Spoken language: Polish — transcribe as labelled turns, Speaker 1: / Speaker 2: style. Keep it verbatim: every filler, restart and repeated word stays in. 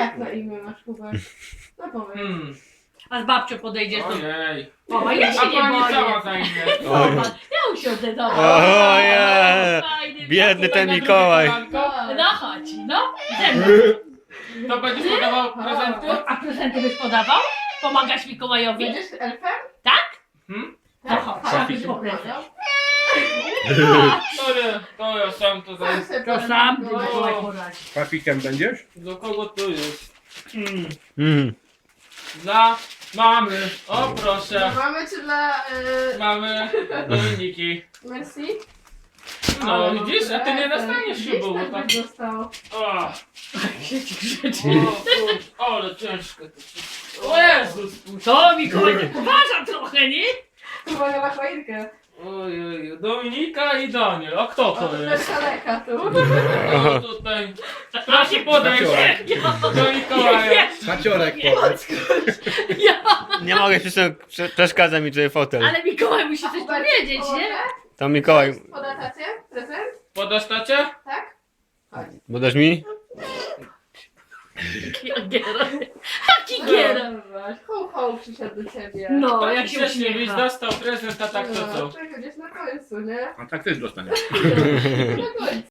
Speaker 1: Jak na imię masz, Hubert? No powiedz.
Speaker 2: Hmm.
Speaker 3: A z babcią podejdziesz do...
Speaker 2: Ojej.
Speaker 3: Mama, ja
Speaker 2: A
Speaker 3: się nie
Speaker 2: pani cała
Speaker 3: boję.
Speaker 2: za imię.
Speaker 3: Zobacz, ja usiądę do
Speaker 4: Ojej.
Speaker 3: Fajny
Speaker 4: Biedny
Speaker 3: taki-
Speaker 4: ten Mikołaj.
Speaker 3: No chodź, no. Idziemy.
Speaker 2: To będziesz podawał prezenty?
Speaker 3: A prezenty byś podawał? Pomagasz Mikołajowi?
Speaker 1: Będziesz elfem?
Speaker 3: Tak?
Speaker 2: Hmm?
Speaker 3: To chodź,
Speaker 1: Tak.
Speaker 3: trzeba być po prezent.
Speaker 2: To nie, to ja sam to
Speaker 1: Sam
Speaker 2: za...
Speaker 1: sobie
Speaker 3: To
Speaker 1: poradzi
Speaker 3: sam ty
Speaker 1: Mikołaj.
Speaker 3: Mikołaj poradzi.
Speaker 5: Papikiem będziesz?
Speaker 2: Do kogo tu jest? Hmm.
Speaker 4: Mm.
Speaker 2: Dla mamy. O proszę.
Speaker 1: Dla mamy czy dla... Y...
Speaker 2: Mamy Dominiki.
Speaker 1: Merci?
Speaker 2: No widzisz, a ty nie dostaniesz
Speaker 1: Gdzieś
Speaker 2: ślubu, bo
Speaker 1: tak
Speaker 2: tak...
Speaker 1: byś dostał.
Speaker 2: O,
Speaker 3: Siedzi grzecznie.
Speaker 2: o, kurczę, ale ciężko to wszystko. O Jezus.
Speaker 3: To Mikołaj nie poważa trochę, nie?
Speaker 1: Uwaga na choinkę.
Speaker 2: Ojej, Dominika i Daniel. A kto to
Speaker 1: Bez
Speaker 2: jest?
Speaker 1: kaleka tu.
Speaker 2: O, tutaj. Proszę podejść do Mikołaja.
Speaker 5: Maciorek powiedz.
Speaker 3: Ja.
Speaker 4: Nie mogę, przecież prze- przeszkadza mi tutaj fotel.
Speaker 3: Ale Mikołaj musi coś powiedzieć, nie?
Speaker 4: To Mikołaj,
Speaker 1: Poda tacie? Prezent?
Speaker 2: Podasz tacie?
Speaker 1: Tak?
Speaker 4: bo dasz mi?
Speaker 3: Giera. Jaki giera.
Speaker 1: Ho, ho, przyszedł do ciebie.
Speaker 3: No, jak
Speaker 2: Taki
Speaker 3: się
Speaker 2: śmiesznie, byś
Speaker 3: uśmiecha.
Speaker 2: dostał prezent, a tak to co?
Speaker 1: Czekaj, gdzieś na końcu, nie?
Speaker 5: A tak też dostaniesz.
Speaker 1: Na końcu.